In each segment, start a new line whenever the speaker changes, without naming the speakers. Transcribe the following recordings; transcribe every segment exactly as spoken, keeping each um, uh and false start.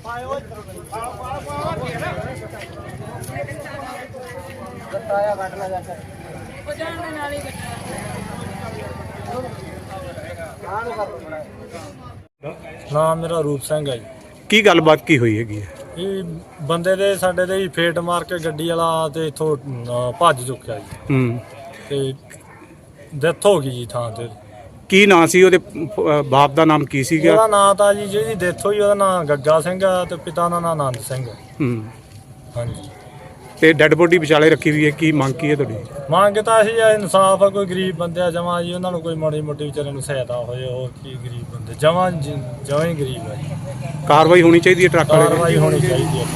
ਨਾਮ ਮੇਰਾ ਰੂਪ ਸਿੰਘ ਹੈ ਜੀ।
ਕੀ ਗੱਲਬਾਤ ਕੀ ਹੋਈ ਹੈਗੀ ਹੈ?
ਇਹ ਬੰਦੇ ਦੇ ਸਾਡੇ ਦੇ ਫੇਟ ਮਾਰ ਕੇ ਗੱਡੀ ਵਾਲਾ ਤੇ ਇੱਥੋਂ ਭੱਜ ਚੁੱਕਿਆ ਜੀ।
ਹੂੰ।
ਤੇ ਡੈਥ ਹੋ ਗਈ ਜੀ ਥਾਂ ਤੇ।
ਕੀ ਨਾਂ ਸੀ ਉਹਦੇ? ਬਾਪ ਦਾ ਨਾਮ ਕੀ ਸੀਗਾ?
ਉਹਦਾ ਨਾਂ ਤਾਂ ਜੀ ਜਿਹਦੀ ਡੈਥ ਹੋਈ ਉਹਦਾ ਨਾਂ ਗੱਗਾ ਸਿੰਘ ਆ ਤੇ ਪਿਤਾ ਦਾ ਨਾਂ ਆਨੰਦ ਸਿੰਘ ਹੈ।
ਹੂੰ।
ਹਾਂਜੀ।
ਤੇ ਡੈੱਡ ਬੋਡੀ ਵਿਚਾਲੇ ਰੱਖੀ ਹੋਈ ਹੈ, ਕੀ ਮੰਗ ਕੀ ਹੈ ਤੁਹਾਡੀ?
ਮੰਗ ਤਾਂ ਅਸੀਂ ਇਨਸਾਫ ਆ, ਕੋਈ ਗਰੀਬ ਬੰਦੇ ਆ ਜਮਾਂ ਜੀ, ਉਹਨਾਂ ਨੂੰ ਕੋਈ ਮਾੜੀ ਮੋਟੀ ਵਿਚਾਰੇ ਨੂੰ ਸਹਾਇਤਾ ਹੋਏ। ਹੋਰ ਕੀ ਗਰੀਬ ਬੰਦੇ ਜਮਾਂ ਜਮਾਂ ਹੀ ਗਰੀਬ ਆ ਜੀ।
ਕਾਰਵਾਈ ਹੋਣੀ ਚਾਹੀਦੀ ਹੈ ਟਰੱਕ ਵਾਲੇ ਦੀ।
ਕਾਰਵਾਈ ਹੋਣੀ ਚਾਹੀਦੀ ਹੈ।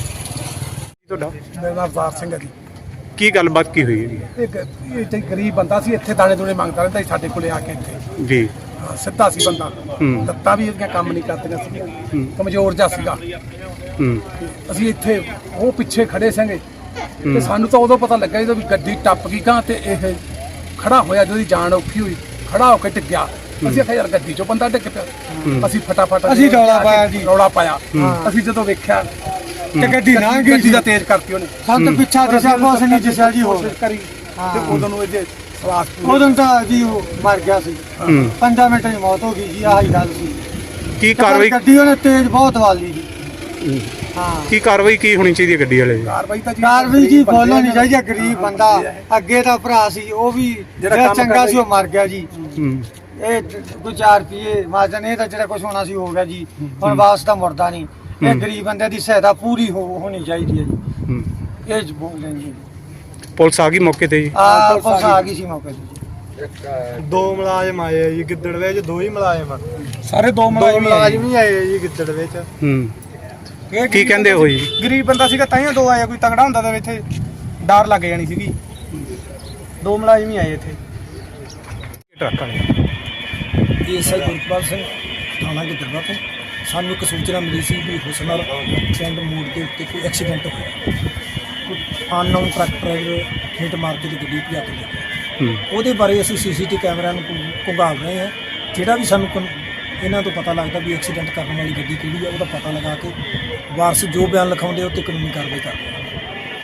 ਤੁਹਾਡਾ?
ਮੇਰਾ ਨਾਮ ਅਵਤਾਰ ਸਿੰਘ ਹੈ ਜੀ।
ਕੀ ਗੱਲਬਾਤ ਕੀ ਹੋਈ ਹੈਗੀ?
ਇਹ ਇਹ ਤੇ ਗਰੀਬ ਬੰਦਾ ਸੀ, ਇੱਥੇ ਦਾਣੇ ਦੂਣੇ ਮੰਗਦਾ ਰਹਿੰਦਾ ਸੀ ਸਾਡੇ ਕੋਲੇ ਆ ਕੇ ਇੱਥੇ।
ਜੀ।
ਹਾਂ, ਸਿੱਧਾ ਸੀ ਬੰਦਾ।
ਹੂੰ।
ਲੱਤਾਂ ਵੀ ਇਹਦੀਆਂ ਕੰਮ ਨਹੀਂ ਕਰਦੀਆਂ
ਹੂੰ।
ਸੀ, ਕਮਜ਼ੋਰ ਜਿਹਾ ਸੀਗਾ।
ਹੂੰ।
ਅਸੀਂ ਇੱਥੇ ਉਹ ਪਿੱਛੇ ਖੜੇ ਸੀਗੇ ਤੇ ਸਾਨੂੰ ਤਾਂ ਉਦੋਂ ਪਤਾ ਲੱਗਾ ਜਦੋਂ ਵੀ ਗੱਡੀ ਟੱਪ ਗਈ ਗਾਂ ਤੇ ਇਹ ਖੜਾ ਹੋਇਆ, ਜਦੋਂ ਦੀ ਜਾਨ ਔਖੀ ਹੋਈ ਖੜਾ ਹੋ ਕੇ ਟਿਕਿਆ। ਅਸੀਂ ਆਖਿਆ ਯਾਰ ਗੱਡੀ ਚੋਂ ਬੰਦਾ ਡਿੱਗ ਪਿਆ। ਅਸੀਂ ਫਟਾਫਟ
ਅਸੀਂ ਰੌਲਾ ਪਾਇਆ ਜੀ।
ਰੌਲਾ ਪਾਇਆ। ਅਸੀਂ ਜਦੋਂ ਵੇਖਿਆ
ਤੇ ਗੱਡੀ ਨਾ ਗਈ
ਗੱਡੀ ਦਾ ਤੇਜ਼ ਕਰਤੀ ਉਹਨੇ।
ਸਾਨੂੰ ਪਿੱਛਾ ਦਿਸ਼ਾ ਕੁਛ ਨਹੀਂ ਦਿਸਿਆ ਜੀ। ਹੋਰ
ਕਰੀ ਤੇ ਉਦੋਂ ਨੂੰ ਇਹਦੇ ਸਵਾਸ
ਉਦੋਂ ਤਾਂ ਜੀ ਉਹ ਮਰ ਗਿਆ ਸੀ। ਪੰਦਰਾਂ ਮਿੰਟਾਂ 'ਚ ਮੌਤ ਹੋ ਗਈ ਜੀ। ਆਹੀ ਗੱਲ ਸੀ।
ਕੀ ਕਾਰਵਾਈ?
ਗੱਡੀ ਉਹਨੇ ਤੇਜ਼ ਬਹੁਤ ਵਾਲੀ ਜੀ। ਹਾਂ।
ਕੀ ਕਾਰਵਾਈ ਕੀ ਹੋਣੀ ਚਾਹੀਦੀ ਹੈ ਗੱਡੀ ਵਾਲੇ ਦੀ?
ਕਾਰਵਾਈ ਤਾਂ ਜੀ
ਕਾਰਵਾਈ ਜੀ ਬੋਲੋ ਨਹੀਂ ਚਾਹੀਦਾ। ਗਰੀਬ ਬੰਦਾ ਅੱਗੇ ਦਾ ਭਰਾ ਸੀ, ਉਹ ਵੀ ਜਿਹੜਾ ਚੰਗਾ ਸੀ ਉਹ ਮਰ ਗਿਆ ਜੀ।
ਹੂੰ।
ਇਹ ਕੋਈ ਚਾਰ ਰੁਪਏ ਮਾਜਨ, ਇਹ ਤਾਂ ਜਿਹੜਾ ਕੁਝ ਹੋਣਾ ਸੀ ਹੋ ਗਿਆ ਜੀ। ਹੁਣ ਵਾਪਸ ਤਾਂ ਮੁੜਦਾ ਨਹੀਂ। ਇਹ ਗਰੀਬ ਬੰਦੇ ਦੀ ਸਹਾਇਤਾ ਪੂਰੀ ਹੋਣੀ ਚਾਹੀਦੀ ਹੈ ਜੀ।
ਹੂੰ।
ਇਹ ਜ ਬੋਲ ਰਹੇ ਜੀ।
ਪੁਲਿਸ ਆ ਗਈ ਮੌਕੇ ਤੇ ਜੀ?
ਆ ਪੁਲਿਸ ਆ ਗਈ ਸੀ ਮੌਕੇ ਤੇ।
ਦੋ ਮੁਲਾਜ਼ਮ ਆਏ ਆ ਜੀ ਗਿੱਦੜ ਵਿੱਚ, ਦੋ ਹੀ ਮੁਲਾਜ਼ਮ ਆ।
ਸਾਰੇ ਦੋ ਮੁਲਾਜ਼ਮ
ਮੁਲਾਜ਼ਮ ਹੀ ਆਏ ਆ ਜੀ ਗਿੱਦੜ ਵਿੱਚ।
ਹੂੰ। ਕੀ ਕਹਿੰਦੇ ਹੋ ਜੀ?
ਗਰੀਬ ਬੰਦਾ ਸੀਗਾ ਤਾਂ ਹੀ ਦੋ ਆਇਆ, ਕੋਈ ਤਗੜਾ ਹੁੰਦਾ ਤਾਂ ਇੱਥੇ ਡਰ ਲੱਗ ਜਾਣੀ ਸੀਗੀ। ਦੋ ਮੁਲਾਜ਼ਮ ਹੀ ਆਏ ਇੱਥੇ।
ਟਰੱਕ ਵਾਲੇ?
ਐਸਆਈ ਗੁਰਪਾਲ ਸਿੰਘ ਥਾਣਾ ਗਿੱਦੜਵਾ ਤੋਂ ਸਾਨੂੰ ਇੱਕ ਸੂਚਨਾ ਮਿਲੀ ਸੀ ਵੀ ਹੁਸਨਰ ਪਿੰਡ ਮੋੜ ਦੇ ਉੱਤੇ ਕੋਈ ਐਕਸੀਡੈਂਟ ਹੋਇਆ। ਕੋਈ ਅਨਨੋਨ ਟਰੱਕ ਡਰਾਈਵਰ ਹਿੱਟ ਮਾਰ ਕੇ ਗੱਡੀ ਭਜਾ ਕੇ ਲੈ ਗਿਆ। ਉਹਦੇ ਬਾਰੇ ਅਸੀਂ ਸੀਸੀਟੀਵੀ ਕੈਮਰਿਆਂ ਨੂੰ ਘੁੰਗਾਲ ਰਹੇ ਹਾਂ। ਜਿਹੜਾ ਵੀ ਸਾਨੂੰ ਇਹਨਾਂ ਤੋਂ ਪਤਾ ਲੱਗਦਾ ਵੀ ਐਕਸੀਡੈਂਟ ਕਰਨ ਵਾਲੀ ਗੱਡੀ ਕਿਹੜੀ ਹੈ, ਉਹਦਾ ਪਤਾ ਲਗਾ ਕੇ ਵਾਰਸ ਜੋ ਬਿਆਨ ਲਿਖਾਉਂਦੇ ਉਹ 'ਤੇ ਕਾਨੂੰਨੀ ਕਾਰਵਾਈ ਕਰਦੇ ਹਾਂ।